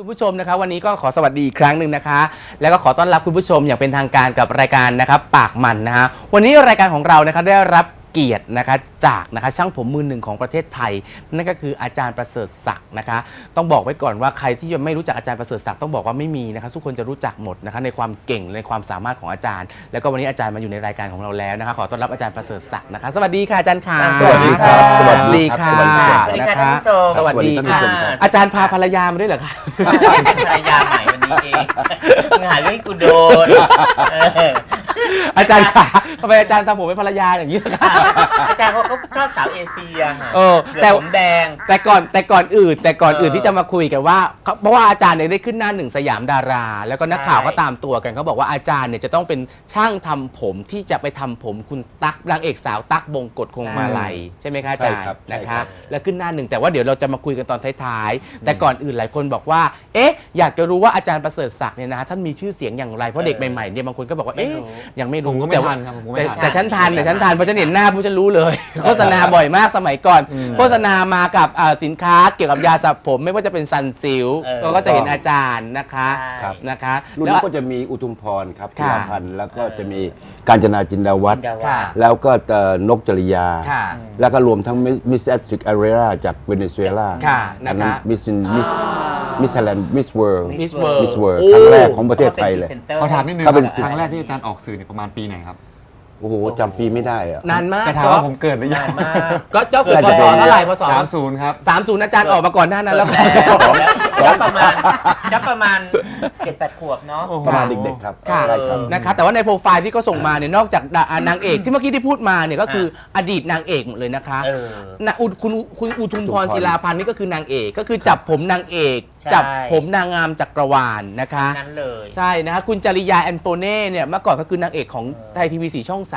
คุณผู้ชมนะคะวันนี้ก็ขอสวัสดีอีกครั้งหนึ่งนะคะแล้วก็ขอต้อนรับคุณผู้ชมอย่างเป็นทางการกับรายการนะครับปากมันนะคะวันนี้รายการของเรานะคะได้รับเกียรตินะคะจากนะคะช่างผมมือหนึ่งของประเทศไทยนั่นก็คืออาจารย์ประเสริฐศักดิ์นะคะต้องบอกไว้ก่อนว่าใครที่ยังไม่รู้จักอาจารย์ประเสริฐศักดิ์ต้องบอกว่าไม่มีนะคะทุกคนจะรู้จักหมดนะคะในความเก่งในความสามารถของอาจารย์แล้วก็วันนี้อาจารย์มาอยู่ในรายการของเราแล้วนะคะขอต้อนรับอาจารย์ประเสริฐศักดิ์นะคะสวัสดีค่ะอาจารย์ค่ะสวัสดีครับสวัสดีค่ะสวัสดีครับนะคะสวัสดีค่ะอาจารย์พาภรรยามาด้วยเหรอคะเป็นภรรยาใหม่วันนี้เองมึงหาเรื่องให้กูโดนอาจารย์ค่ะทำไมอาจารย์ทำผมเป็นภรรยาอย่างนี้ล่ะคะอาจารย์เขาชอบสาวเอเชียค่ะแต่ผมแดงแต่ก่อนอื่นที่จะมาคุยกันว่าเพราะว่าอาจารย์เนี่ยได้ขึ้นหน้าหนึ่งสยามดารา แล้วก็นักข่าวก็ตามตัวกันเขาบอกว่าอาจารย์เนี่ยจะต้องเป็นช่างทำผมที่จะไปทำผมคุณตั๊กนางเอกสาวตั๊กบงกฎคงมาลัยใช่ไหมคะอาจารย์นะคะแล้วขึ้นหน้าหนึ่งแต่ว่าเดี๋ยวเราจะมาคุยกันตอนท้ายๆแต่ก่อนอื่นหลายคนบอกว่าเอ๊ะอยากจะรู้ว่าอาจารย์ประเสริฐศักดิ์เนี่ยนะท่านมีชื่อเสียงอย่างไรเพราะเด็กใหม่ๆเนี่ยบางคนก็บอกว่าเอ๊ะยังไม่รู้แต่ฉันทันเพราะฉันเห็นหน้าผู้ฉันรู้เลยโฆษณาบ่อยมากสมัยก่อนโฆษณามากับสินค้าเกี่ยวกับยาสระผมไม่ว่าจะเป็นซันซิลก็จะเห็นอาจารย์นะคะรุ่นนี้ก็จะมีอุทุมพรครับธีรพันธ์แล้วก็จะมีกาญจนาจินดาวัฒน์แล้วก็นกจริยาแล้วก็รวมทั้งมิสแอตริกอาเรราจากเวเนซุเอลาอันนั้นมิสไทยแลนด์มิสเวิลด์ครั้งแรกของประเทศไทยเลยเขาถามนิดนึงครั้งแรกที่อาจารย์ออกสื่อเนี่ยประมาณปีไหนครับโอ้โหจำปีไม่ได้อะนานมากจะถามว่าผมเกิดหรือยังก็เจ้าเกิดพศเท่าไหร่พศ 30ครับ 30อาจารย์ออกมาก่อนหน้านั้นแล้วจะประมาณ 7-8 ขวบเนาะประมาณเด็กๆครับนะคะแต่ว่าในโปรไฟล์ที่เขาส่งมาเนี่ยนอกจากนางเอกที่เมื่อกี้ที่พูดมาเนี่ยก็คืออดีตนางเอกหมดเลยนะคะคุณอุทุมพรศิลาพันธ์นี่ก็คือนางเอกก็คือจับผมนางเอกจับผมนางงามจักรวาลนะคะนั้นเลยใช่นะคะคุณจริยาแอนโฟเน่เนี่ยเมื่อก่อนก็คือนางเอกของไทยทีวี4ช่อง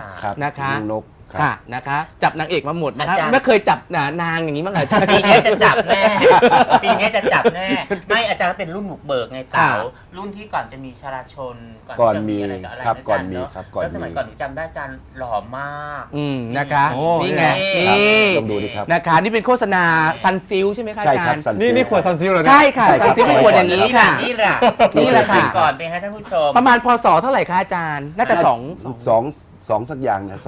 3นะคะค่ะนะคะจับนางเอกมาหมดนะคะไม่เคยจับนางอย่างนี้มั้งเหรอปีนี้จะจับแน่ปีนี้จะจับแน่ไม่อาจารย์เป็นรุ่นบุกเบิกไงเต๋ารุ่นที่ก่อนจะมีชราชนก่อนมีครับก่อนมีครับก่อนสมัยก่อนหนูจำได้อาจารย์หล่อมากนะคะนี่ไงนี่ลองดูดิครับนะคะนี่เป็นโฆษณาซันซิลใช่ไหมคะอาจารย์นี่ขวดซันซิลเลยใช่ค่ะซันซิลเป็นขวดอย่างนี้ค่ะนี่แหละก่อนเป็นให้ท่านผู้ชมประมาณพศเท่าไหร่คะอาจารย์น่าจะ 2สักอย่างเนี่ย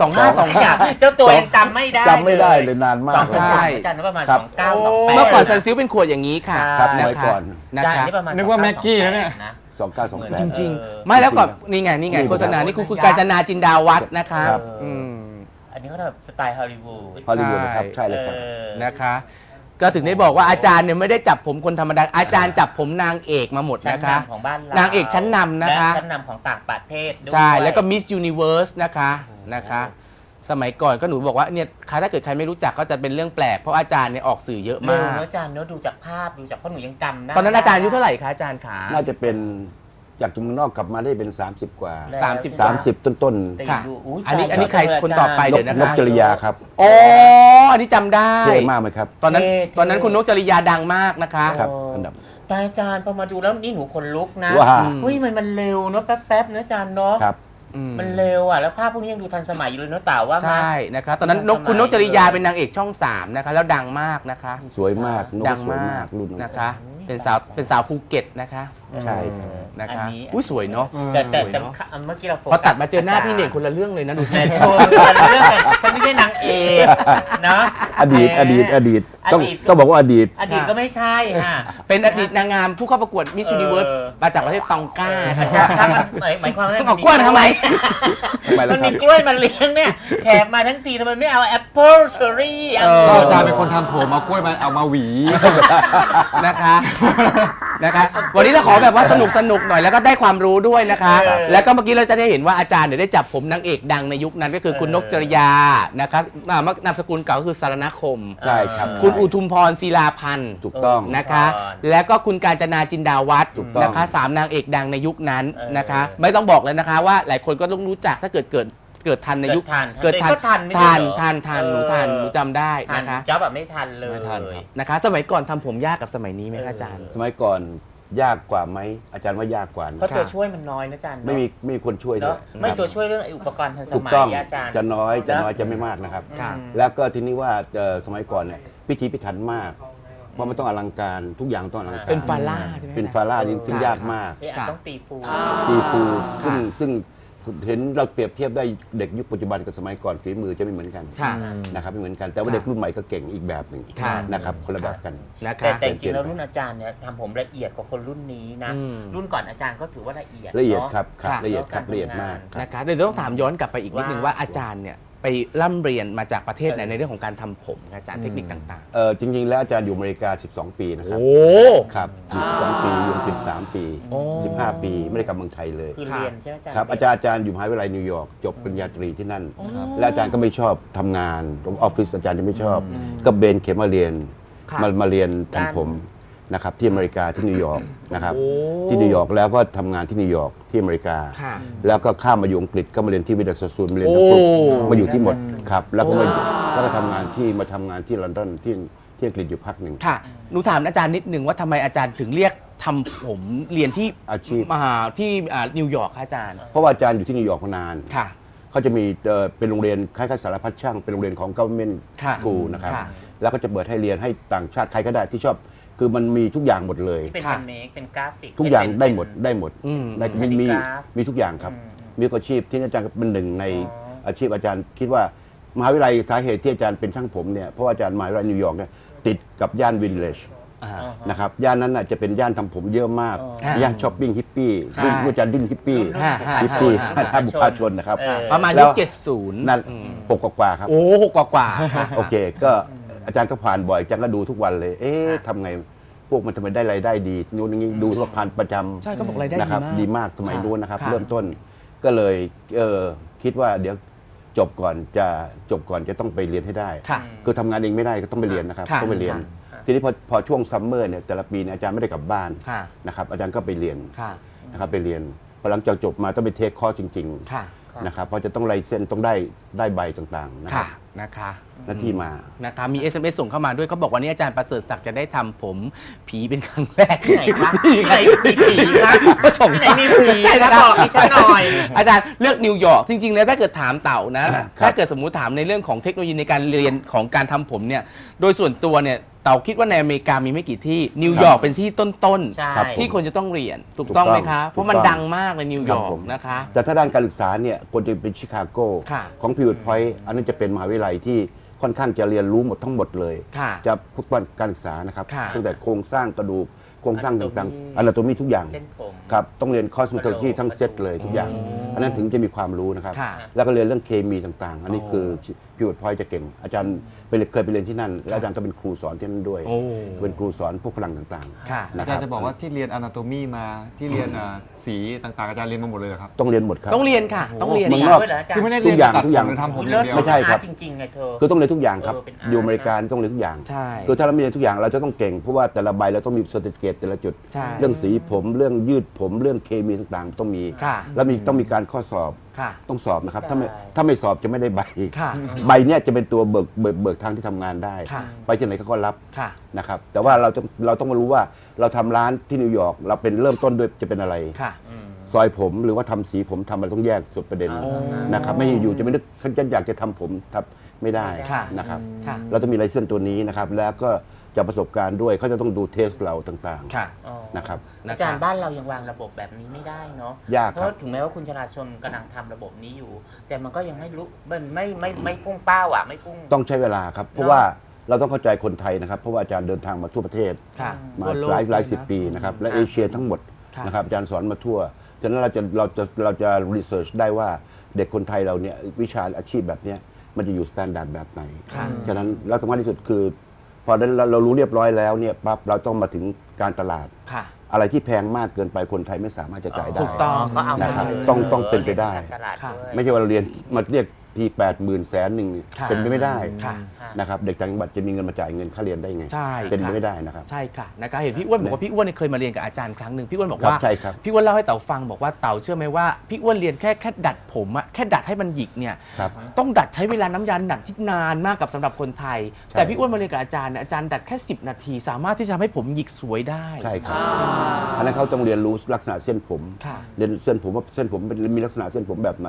25 อย่างเจ้าตัวยังจำไม่ได้เลยนานมากใช่อาจารย์ประมาณ2928 เมื่อก่อนซันซิลเป็นขวดอย่างนี้ค่ะครับสมัยก่อนนะคะนึกว่าแม็กกี้นะเนี่ย 2928 จริงๆไม่แล้วก่อนนี่ไงโฆษณานี่คุณกาญจนาจินดาวัฒน์นะคะอันนี้เขาแบบสไตล์ฮอลลีวูดนะครับใช่เลยครับนะคะก็ถึงได้บอกว่าอาจารย์เนี่ยไม่ได้จับผมคนธรรมดาอาจารย์จับผมนางเอกมาหมดนะคะของบ้านเรานางเอกชั้นนำนะคะชั้นนำของต่างประเทศด้วยใช่แล้วก็มิสยูนิเวิร์สนะคะสมัยก่อนก็หนูบอกว่าเนี่ยถ้าเกิดใครไม่รู้จักก็จะเป็นเรื่องแปลกเพราะอาจารย์เนี่ยออกสื่อเยอะมากอาจารย์เนื้อดูจากภาพดูจากเพราะหนูยังจำได้ตอนนั้นอาจารย์อายุเท่าไหร่คะอาจารย์ขาน่าจะเป็นจากเมืองนอกกลับมาได้เป็น30 กว่า30ต้นค่ะอันนี้ใครคนต่อไปเดี๋ยวนะคะนกจริยาครับอ๋ออันนี้จำได้เท่มากไหมครับตอนนั้นคุณนกจริยาดังมากนะคะครับอันดับแต่อาจารย์พอมาดูแล้วนี่หนูขนลุกนะอุ้ยมันเร็วเนาะแป๊บๆเนาะอาจารย์เนาะมันเร็วอ่ะแล้วภาพพวกนี้ยังดูทันสมัยอยู่เลยเนาะเต่าว่าใช่นะคะตอนนั้นคุณนกจริยาเป็นนางเอกช่อง3นะคะแล้วดังมากนะคะสวยมากดังมากนะคะเป็นสาวภูเก็ตนะคะใช่นะคะอุ้ยสวยเนาะแต่เมื่อกี้เราพอตัดมาเจอหน้าพี่เน่งคนละเรื่องเลยนะดูสิเรื่องฉันไม่ใช่นางเอกนะอดีตต้องบอกว่าอดีตก็ไม่ใช่ค่ะเป็นอดีตนางงามผู้เข้าประกวดมิสยูนิเวิร์สมาจากประเทศตองกาหมายความว่าเอากล้วยทำไมมันมีกล้วยมาเลี้ยงเนี่ยแขกมาทั้งทีทำไมไม่เอาแอปเปิ้ลเชอร์รี่อาจารย์เป็นคนทำผมเอากล้วยมาเอามาหวีนะคะวันนี้เราขอแบบว่าสนุกหน่อยแล้วก็ได้ความรู้ด้วยนะคะแล้วก็เมื่อกี้เราจะได้เห็นว่าอาจารย์ได้จับผมนางเอกดังในยุคนั้นก็คือคุณนกจริยานะคะนามสกุลเก่าก็คือสารณคมใช่ครับคุณอุทุมพรศิลาพันธ์ถูกต้องนะคะแล้วก็คุณกาญจนาจินดาวัฒน์นะคะ3นางเอกดังในยุคนั้นนะคะไม่ต้องบอกเลยนะคะว่าหลายคนก็ต้องรู้จักถ้าเกิดทันในยุคเกิดทันหนูจำได้นะคะจ๊อบแบบไม่ทันเลยนะคะสมัยก่อนทำผมยากกับสมัยนี้ไหมคะอาจารย์สมัยก่อนยากกว่าไหมอาจารย์ว่ายากกว่าเพราะตัวช่วยมันน้อยนะอาจารย์ไม่มีคนช่วยด้วยไม่ตัวช่วยเรื่องอุปกรณ์ทันสมัยอาจารย์จะน้อยจะไม่มากนะครับแล้วก็ทีนี้ว่าสมัยก่อนเนี่ยพิถีพิถันมากเพราะมันต้องอลังการทุกอย่างต้องอลังการเป็นฟาร่าใช่ไหมเป็นฟาร่าซึ่งยากมากต้องตีฟูตีฟูค่ะซึ่งเห็นเราเปรียบเทียบได้เด็กยุคปัจจุบันกับสมัยก่อนฝีมือจะไม่เหมือนกันค่ะนะครับไม่เหมือนกันแต่ว่าเด็กรุ่นใหม่ก็เก่งอีกแบบหนึ่งค่ะนะครับคนละแบบกันนะคะแต่จริงๆแล้วรุ่นอาจารย์เนี่ยทำผมละเอียดกว่าคนรุ่นนี้นะอืมรุ่นก่อนอาจารย์ก็ถือว่าละเอียดละเอียดนอะครับครับค่ะละเอียดครับละเอียดมากครับนะคะเดี๋ยวต้องถามย้อนกลับไปอีกนิดนึงว่าอาจารย์เนี่ยไปร่ำเรียนมาจากประเทศไหนในเรื่องของการทำผมอาจารย์เทคนิคต่างจริง ๆ แล้วอาจารย์อยู่อเมริกา 12 ปีนะๆครับโอ้ครับอยู่12 ปีอยู่อังกฤษ3 ปีโอ้ 15 ปีไม่ได้กลับเมืองไทยเลยคือเรียนใช่ไหมอาจารย์ครับอาจารย์อยู่มหาวิทยาลัยนิวยอร์กจบปริญญาตรีที่นั่น และอาจารย์ก็ไม่ชอบทำงานตรงออฟฟิศอาจารย์จะไม่ชอบ ก็เบนเข็มมาเรียนค่ะมาเรียนทำผมนะครับที่อเมริกาที่นิวยอร์กนะครับโอ้ที่นิวยอร์กแล้วก็ทำงานที่นิวยอร์กที่อเมริกาค่ะแล้วก็ข้ามมาอยู่อังกฤษก็มาเรียนที่วิดาสซูลมาเรียนทั้งปุ๊บโอ้มาอยู่ที่หมดครับแล้วก็ทำงานที่ลอนดอนที่อังกฤษอยู่พักหนึ่งค่ะหนูถามอาจารย์นิดนึงว่าทำไมอาจารย์ถึงเรียกทำผมเรียนที่อาชีพมหาที่นิวยอร์กคะอาจารย์เพราะว่าอาจารย์อยู่ที่นิวยอร์กมานานค่ะเขาจะมีเป็นโรงเรียนคล้ายๆสารพัดช่างเป็นโรงเรียนของ government ค่ะ school นะครับค่ะแล้วก็จะเปิดให้เรียนให้ต่างชาติใครก็ได้ที่ชอบ คือมันมีทุกอย่างหมดเลยที่เป็นค่ะเมคเป็นกราฟิกทุกอย่างเป็นได้หมดได้หมดอืมได้เป็นมีกราฟมีทุกอย่างครับ มีอาชีพที่อาจารย์เป็นหนึ่งในอ๋ออาชีพอาจารย์คิดว่ามหาวิทยาลัยสาเหตุที่อาจารย์เป็นช่างผมเนี่ยเพราะว่าอาจารย์มหาวิทยาลัยนิวยอร์กเนี่ยติดกับย่านวิลเลจอ่านะครับย่านนั้นน่ะจะเป็นย่านทำผมเยอะมากอ๋อย่านช้อปปิ้งฮิปปี้ใช่รุ่นอาจารย์รุ่นฮิปปี้ฮ่าฮ่าฮิปปี้ฮ่าท่านบุคคลชนนะครับประมาณแล้ยุวค70 นั่นปกกว่าๆครับโอ้หกกว่าๆค่ะโอเคก็อาจารย์ก็ผ่านบ่อยอาจารย์ก็ดูทุกวันเลย เอ๊ะทำไงพวกมันทำไมได้รายได้ดีนู้นอย่างนี้ดูทุกผ่านประจำใช่เขาบอกรายได้นะครับดีดีมามาก กสมัยนู้นนะครับค่ะเริ่มต้นก็เลยคิดว่าเดี๋ยวจบก่อนจะต้องไปเรียนให้ได้ค่ะคือทำงานเองไม่ได้ก็ต้องไปเรียนนะครับค่ะต้องไปเรียน ทีนี้พอช่วงซัมเมอร์เนี่ยแต่ละปีเนี่ยอาจารย์ไม่ได้กลับบ้านค่ะนะครับอาจารย์ก็ไปเรียนค่ะนะครับไปเรียนพอหลังจากจบมาต้องไปเทคคอร์สจริงค่ะๆนะครับเพราะจะต้องไลเซนส์ต้องได้ใบต่างๆนะครัค่ะบนะคะหน้าที่มานะคะมี SMS ส่งเข้ามาด้วยเขาบอกวันนี้อาจารย์ประเสริฐศักดิ์จะได้ทำผมผีเป็นครั้งแรกที่ไหนคะที่ไหนมีผีคะส่งที่ไหนมีผีใช่นะบอกดิฉันหน่อยอาจารย์เลือกนิวยอร์กจริงๆแล้วถ้าเกิดถามเต่านะ ถ้าเกิดสมมุติถามในเรื่องของเทคโนโลยีในการเรียนของการทำผมเนี่ยโดยส่วนตัวเนี่ยเต่าคิดว่าในอเมริกามีไม่กี่ที่นิวยอร์กเป็นที่ต้นใช่ครับๆที่คนจะต้องเรียนถูกต้องไหมคะถูกต้องเพราะมันดังมากในนิวยอร์ครักบผมนะคะแต่ถ้าด้านการศึกษาเนี่ยควรจะเป็นชิคาโกค่ะของพิวต์พอยต์อันนั้นจะเป็นมหาวิทยาลัยที่ค่อนข้างจะเรียนรู้หมดทั้งหมดเลยค่ะจะพุทธการศึกษานะครับค่ะตั้งแต่โครงสร้างกระดูกโครงสร้างต่าง Anatomy ๆอนาโตมีทุกอย่างเส้นผมครับต้องเรียนคอสเมโทโลจีทั้งเซตเลยทุกอย่าง อันนั้นถึงจะมีความรู้นะครับค่ะแล้วก็เรียนเรื่องเคมีต่างๆ อันนี้คือพิวต์พอยต์จะเก่ง อาจารย์เคยไปเรียนที่นั่น แล้วอาจารย์ก็เป็นครูสอนที่นั่นด้วยโอ้เป็นครูสอนพวกฝรั่งต่างค่ะๆนะอาคจารรับย์จะบอกว่าที่เรียน anatomy มาที่เรียนสีต่างๆอาจารย์เรียนมาหมดเลยเหรอครับต้องเรียนหมดครับต้องเรียนค่ะ ต้องเรียนเมืองนค่ะอกด้วยเหรออาจารย์คือไม่ได้ทุเรียกนอย่างตัดทุกอย่างผมหรือทำผมอเลิย่างศเดียวไม่ใช่ครับจริงๆไงเธอคือต้องเรียนทุกอย่างครับเป็นอาร์ตอยู่อเมริกาต้องเรียนทุกอย่างใช่คือถ้าเราไม่เรียนทุกอย่างเราจะต้องเก่งเพราะว่าแต่ละใบเราต้องมีเซอร์ติฟิเคตแต่ละจุดใช่เรื่องสีผมเรื่องยืดผมเรื่องเคมีต่างๆ ต้องมีค่ะแล้วต้องมีการข้อสอบค่ะต้องสอบนะครับได้ถ้าไม่สอบจะไม่ได้ใบค่ะใบเนี่ยจะเป็นตัวเบิกทางที่ทำงานได้ค่ะไปที่ไหนเขาก็รับค่ะนะครับแต่ว่าเราต้องมารู้ว่าเราทำร้านที่นิวยอร์กเราเป็นเริ่มต้นด้วยจะเป็นอะไรค่ะซอยผมหรือว่าทำสีผมทำอะไรต้องแยกสุดประเด็นนะครับไม่อยู่จะไม่นึกฉันอยากจะทำผมทับไม่ได้ค่ะนะครับค่ะเราต้องมีไลเซนส์ตัวนี้นะครับ แล้วก็จะประสบการณ์ด้วยเขาจะต้องดูเทสเราต่างค่ะอ๋อๆนะครับนะอาจารคะย์บ้านเรายังวางระบบแบบนี้ไม่ได้เนาะยากเพครับราะถึงแม้ว่าคุณชลาชนกำลังทำระบบนี้อยู่ แต่มันก็ยังไม่รู้มันไม่พุ่งเป้าอ่ะไม่พุ่งต้องใช้เวลาครับ เพราะว่าเราต้องเข้าใจคนไทยนะครับ เพราะว่าอาจารย์เดินทางมาทั่วประเทศค่ะมาทั่วโลกหลายสิบนะปีนะครับและค่ะเอเชียทั้งหมดค่ะนะครับอาจารย์สอนมาทั่วฉะนั้นเราจะรีเสิร์ชได้ว่าเด็กคนไทยเราเนี่ยวิชาอาชีพแบบเนี้ยมันจะอยู่สแตนดาร์ดแบบไหนค่ะฉะนั้นแล้วสำคัญที่สุดคือ พอเรารู้เรียบร้อยแล้วเนี่ยปั๊บเราต้องมาถึงการตลาดค่ะอะไรที่แพงมากเกินไปคนไทยไม่สามารถจะจ่ายได้ถูกต้องก็เอานะครับมาเลยต้องเป็นไปได้ตลาดค่ะด้วยไม่ใช่ว่าเราเรียนมาเรียกที80,000 100,000 ค่ะเป็นไปไม่ได้ค่ะนะครับเด็กต่างจังหวัดจะมีเงินมาจ่ายเงินค่าเรียนได้ไงใช่เป็นไปค่ะไม่ได้นะครับใช่ค่ะนะคะเห็นพี่อ้วนบอกว่าพี่อ้วนเนี่ยเคยมาเรียนกับอาจารย์ครั้งหนึ่งพี่อ้วนบอกครับว่าใช่ครับพี่อ้วนเล่าให้เต๋าฟังบอกว่าเต๋าเชื่อไหมว่าพี่อ้วนเรียนแค่ดัดผมอะแค่ดัดให้มันหยิกเนี่ยครับต้องดัดใช้เวลาน้ำยาดัดที่นานมากกับสำหรับคนไทยใช่แต่พี่อ้วนมาเรียนกับอาจารย์เนี่ยอาจารย์ดัดแค่10 นาที สามารถที่จะทำให้ผมหยิกสวยได้ใช่ครับอันนั้นเขาต้องเรียนรู้ลักษณะเส้นผมค่ะเรียนเส้นผมว่าเส้นผมมีลักษณะเส้นผมแบบไหน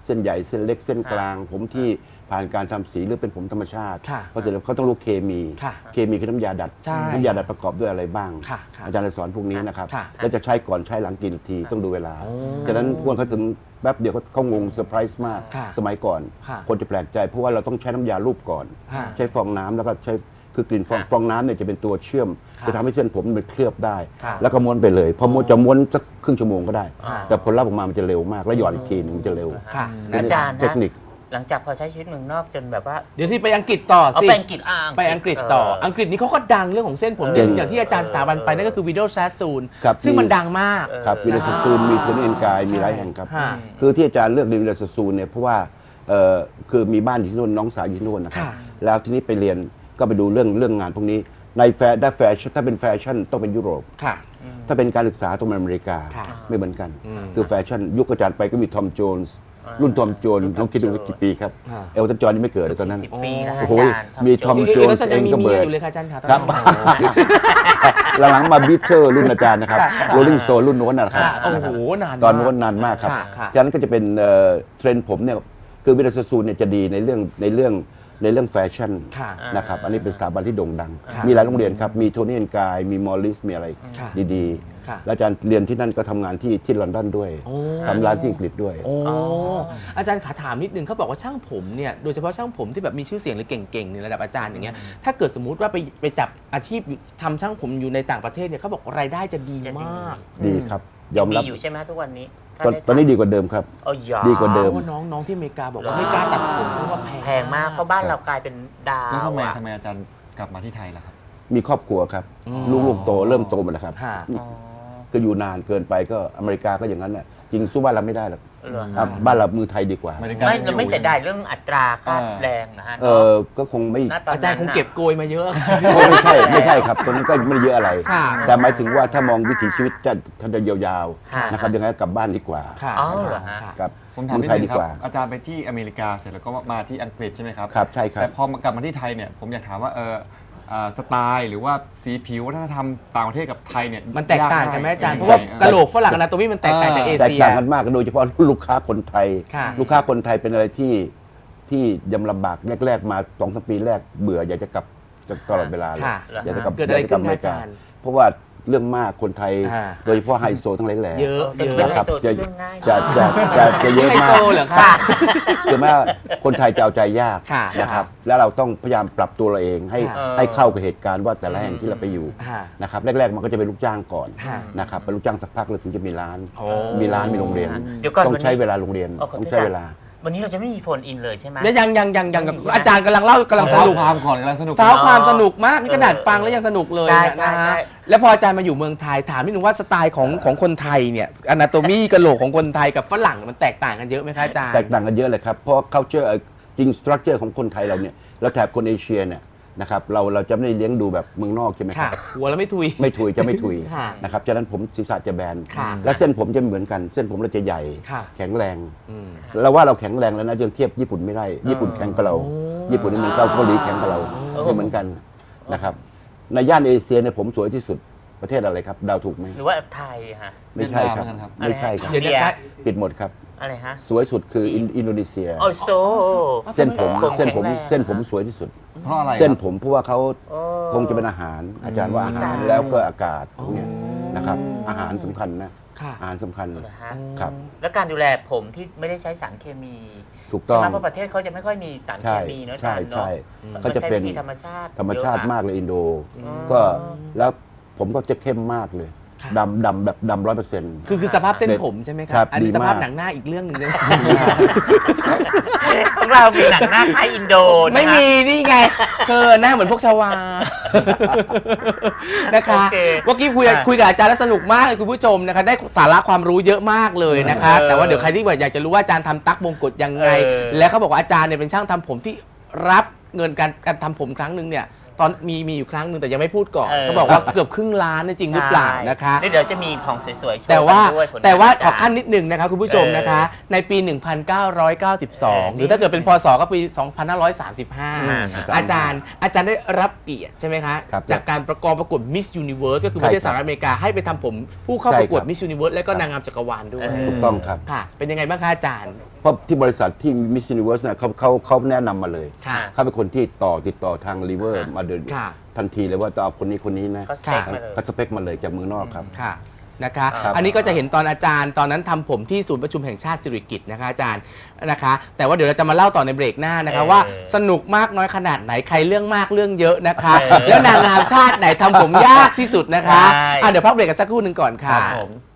เส้นใหญ่เส้นเล็กเส้นกลาง ผมที่ผ่านการทำสีหรือเป็นผมธรรมชาติค่ะพอเสร็จแล้วเขาต้องรู้เคมีค่ะเคมีคือน้ำยาดัดใช่น้ำยาดัดประกอบด้วยอะไรบ้างค่ะค่ะอาจารย์จะสอนพวกนี้นะครับค่ะแล้วจะใช้ก่อนใช้หลังกี่นาทีต้องดูเวลาฉะนั้นพวกเขาถึงแป๊บเดียวเขางงเซอร์ไพรส์มากค่ะสมัยก่อนค่ะคนจะแปลกใจเพราะว่าเราต้องใช้น้ำยารูปก่อนค่ะใช้ฟองน้ำแล้วก็ใช้คือกลิ่นฟองน้ำเนี่ยจะเป็นตัวเชื่อมค่ะจะทำให้เส้นผมมันเคลือบได้ค่ะแล้วก็ม้วนไปเลยพอม้วนจะม้วนสักครึ่งชั่วโมงก็ได้ค่ะแต่ผลลัพธ์ออกมามันจะเร็วมากแล้วหย่อนอีกทีนึงมันจะเร็วค่ะอาจารย์เทคนิคหลังจากพอใช้ชีวิตเมืองนอกจนแบบว่าเดี๋ยวสิไปอังกฤษต่อเอาสิไปอังกฤษไปอังกฤษต่อ อังกฤษนี่เขาก็ดังเรื่องของเส้นผมเก่งอย่างที่อาจารย์สถาบันไปนั่นก็คือวิดีโอแซสซูนครับซึ่งมันดังมากครับวิลาสซูนมีโทนี่เอ็นกายมีหลายแห่งครับค่ะคือที่อาจารย์เลือกเรียนวิลาสซูนเนี่ยเพราะว่าคือมีบ้านอยู่ที่นู่นน้องสาวอยู่ที่นู่นนะครับค่ะแล้วทีนี้ไปเรียนก็ไปดูเรื่องงานพวกนี้ในได้แฟชั่นถ้าเป็นแฟชั่นต้องเป็นยุโรปค่ะถ้าเป็นการศึกษาต้องเป็นอเมริกาค่ะไม่เหมือนกัน คือแฟชั่นยุคอาจารย์ไปก็มีทอมโจนส์รุ่นทอมโจนส์น้องคิดดูว่ากี่ปีครับค่ะเอลตันจอห์นนี่ไม่เกิดเลยตอนนั้น 40 ปีแล้วโอ้อาโหจารย์มีทอม โจนส์แล้วจะยังมีเองก็เบิเมียร์ดอยู่เลยค่ะอาจารย์ค่ะตอนครับนั้นหลังๆมาบิทเทอร์รุ่นอาจารย์นะครับโรลลิงสโตนรุ่นโน้นนะครับค่ะโอ้โหนานมากตอนโน้นนานมากครับค่ะฉะนั้นก็จะเป็นเทรนด์ผมเนี่ยคือวิลาสซูนเนี่ยจะดีในเรื่องแฟชั่นค่ะนะครับอันนี้เป็นสถาบันที่โด่งดังค่ะมีหลายโรงเรียนครับมีโทนี่แอนกายมีมอลลิสมีอะไรค่ะดีค่ะๆแล้วอาจารย์เรียนที่นั่นก็ทำงานที่ลอนดอนด้วยโอ้ทำร้านที่อังกฤษด้วยโอ้อาจารย์ขาถามนิดนึงเขาบอกว่าช่างผมเนี่ยโดยเฉพาะช่างผมที่แบบมีชื่อเสียงหรือเก่งๆในระดับอาจารย์อย่างเงี้ยถ้าเกิดสมมุติว่าไปจับอาชีพทำช่างผมอยู่ในต่างประเทศเนี่ยเขาบอกรายได้จะดีมากดีครับยอมมีรับอยู่ใช่ไหมทุกวันนี้ตอนนี้ดีกว่าเดิมครับเอาหยอดีกว่าเดิมเพราะว่าน้องที่อเมริกาบอกว่าไม่กล้าตัดผมเพราะว่าแพแพงมากเพราะบ้านเรากลายเป็นดาแล้ววอะทำไมอาจารย์กลับมาที่ไทยล่ะครับมีครอบครัวครับลูกๆโตเริ่มโตหมดแล้วครับค่ะก็อยู่นานเกินไปก็อเมริกาก็อย่างนั้นน่ะจริงสู้บ้านเราไม่ได้หรอกเหรอครับบ้านเรามือไทยดีกว่าไม่ได้ไม่เราไม่เสียดายเรื่องอัตราค่าแรงนะฮะก็คงไม่ณตนนั้นอาจารย์คงเก็บโกยมาเยอะไม่ใช่ครับตอนนั้นก็ไม่ได้เยอะอะไรค่ะแต่หมายถึงว่าถ้ามองวิถีชีวิตจะยาวค่ะๆนะครับยังไงก็กลับบ้านดีกว่าค่ะอ๋อเหรอฮะค่ะครับผมถามเมืองนิดไทยนึดีงครักบว่าอาจารย์ไปที่อเมริกาเสร็จแล้วก็มาที่อังกฤษใช่ไหมครับครับใช่ครับแต่พอกลับมาที่ไทยเนี่ยผมอยากถามว่าสไตล์หรือว่าสีผิววัฒนธรรมต่างประเทศกับไทยเนี่ยมันแตกต่างกันไหมอาจารย์ยเพราะว่ากะโหลกฝรั่งอนาโตมีมันแตกต่างจากเอแตกเชียต่างกันมากโดยเฉพาะลูกค้าคนไทยค่ะลูกค้าคนไทยเป็นอะไรที่ยำลำบากแรกๆมา2-3 ปีแรกเบื่ออยากจะกลับตลอดเวลาเลยค่ะอยากจะกลับเกิดอะไรยากจะกลับขึ้นอเมริกาอาจารย์เพราะว่าเรื่องมากคนไทยอ่าโดยเฉพาะไฮโซทั้งหลายแหล่เยอะเป็นเยเรื่องอะไฮโซจะเรื่องง่ายจะเยอะไฮมาโซกเหรอคะคือว่าคนไทยจะเอาใจยากค่ะนะครับแล้วเราต้องพยายามปรับตัวเราเองให้ค่ะให้เข้ากับเหตุการณ์ว่าแต่ละแห่งที่เราไปอยู่ค่ะนะครับแรกๆมันก็จะเป็นลูกจ้างก่อนค่ะนะครับเป็นลูกจ้างสักพักแล้วถึงจะมีร้านโอ้มีร้านมีโรงเรียนเดี๋ยวก่อนต้องใช้วันนี้เวลาโรงเรียนเอาขอโทษต้องใช้เวลาวันนี้เราจะไม่มีโฟนอินเลยใช่ไหมแล้วยังกับอาจารย์กำลังเล่ากำลังสสาวนุกความก่อนกำลังสนุกสาวความสนุกมากนี่ขนาดฟังแล้วยังสนุกเลยใช่นะใช่ใช่ฮะแล้วพออาจารย์มาอยู่เมืองไทยถามนิดนึงว่าสไตล์ของคนไทยเนี่ยอนาโตมีกะโหลกของคนไทยกับฝรั่งมันแตกต่างกันเยอะไหมคะอาจารย์แตกต่างกันเยอะเลยครับ เพราะ culture จริง structure ของคนไทยเราเนี่ยเราแถบคนเอเชียเนี่ยนะครับเราจะไม่ได้เลี้ยงดูแบบเมืองนอกใช่ไหมคค่ะรับหัวแล้วไม่ทุยไม่ถุยจะไม่ถุยค่ะนะครับฉะนั้นผมศีรษะจะแบนค่ะและเส้นผมจะไม่เหมือนกัน เส้นผมเราจะใหญ่ค่ะแข็งแรงอืมเราว่าเราแข็งแรงแล้วนะยังเทียบญี่ปุ่นไม่ได้ ญี่ปุ่นแข็งกว่าเรา ญี่ปุ่นนี่มันเกาหลีแข็งกว่าเราไม่เหมือนกันนะครับในย่านเอเชียเนี่ยผมสวยที่สุดประเทศอะไรครับเดาวถูกไหมหรือว่าไทยฮะไม่ใช่ครับเวียดนามเหมือนกันครับไม่ใช่ครับเดี๋ยวนะคะปิดหมดครับอะไรฮะสวยสุดคืออินโดนีเซียโอ้โซเส้นผมผมเส้นผมแข็งแรงเส้นผมสวยที่สุดเพราะอะไรครับเส้นผมเพราะว่าเขาโอ้คงจะเป็นอาหาร อาจารย์ว่าอาหารอืมแล้วก็อากาศพวกเนี้ยนะครับ อาหารสำคัญนะค่ะอาหารสำคัญเหรอฮะครับแล้วการดูแลผมที่ไม่ได้ใช้สารเคมีถูกต้องใช่ไหมเพราะประเทศเขาจะไม่ค่อยมีสารเคใช่มีเนอะอาใช่จารย์เนอะใช่มันเขาจะเป็นใช้วิธีธรรมชาติธรรมชาติเยอะอะมากเลยอินโด ก็แล้วผมก็จะเข้มมากเลยค่ะดำแบบดำ100% คือสภาพเส้นผมใช่ไหมคครัรับ อันนี้ดีสมากภาพหนังหน้าอีกเรื่องหนึ่งเลยของเรามีหนังหน้าคล้ายอินโดนะคะไม่มีนี่ไงหน้าเหมือนพวกชวา นะคะโอเคเมื่อกี้คุยกับอาจารย์แล้วสนุกมากเลยคุณผู้ชมนะคะได้สาระความรู้เยอะมากเลยนะคะ แต่ว่าเดี๋ยวใครที่อยากจะรู้ว่าอาจารย์ทำตั๊กมงกุฎยังไง และเขาบอกว่าอาจารย์เนี่ยเป็นช่างทำผมที่รับเงินการทำผมครั้งหนึ่งเนี่ยตอนมีอยู่ครั้งหนึ่งแต่ยังไม่พูดก่อนเขาบอกว่าเกือบครึ่งล้านเนี่ยจริงหรือเปล่านะคะใช่เดี๋ยวจะมีของสวยๆโชว์แต่ว่ากันด้วยผลงนแต่ว่าอาขจาอรย์ขั้นนิดหนึ่งนะคะคุณผู้ชมนะคะ ในปี 1992 หรือถ้าเกิดเป็นพศก็ปี 2535 อาจารย์ได้รับเกียรติใช่ไหมคะครับจากการประกวด Miss Universe ก็คือประเทศใช่ครับสหรัฐอเมริกาให้ไปทำผมผู้เข้าใช่ประกวดครับ Miss Universe และก็นางงามจักรวาลด้วยถูกต้องครับค่ะ เป็นยังไงบ้างคะอาจารย์เพราะที่บริษัทที่ Miss Universe เนี่ยเขาแนะนำมาเลยค่ะเขาเป็นคนที่ติดต่อทางรีเวอร์ค่ะมาเดินค่ะทันทีเลยว่าจะเอาคนนี้นะก็สเปคมาเลยก็สเปคมาเลยจากเมืองนอกครับค่ะนะคะครับอันนี้ก็จะเห็นตอนอาจารย์ตอนนั้นทำผมที่ศูนย์ประชุมแห่งชาติสิริกิติ์นะคะอาจารย์นะคะ แต่ว่าเดี๋ยวเราจะมาเล่าต่อในเบรกหน้านะคะว่าสนุกมากน้อยขนาดไหนใครเรื่องมากเรื่องเยอะนะคะ แล้วนางงามชาติไหนทำผมยากที่สุดนะคะใช่เดี๋ยวพักเบรกกันสักครู่หนึ่งก่อนคค่ะรับผม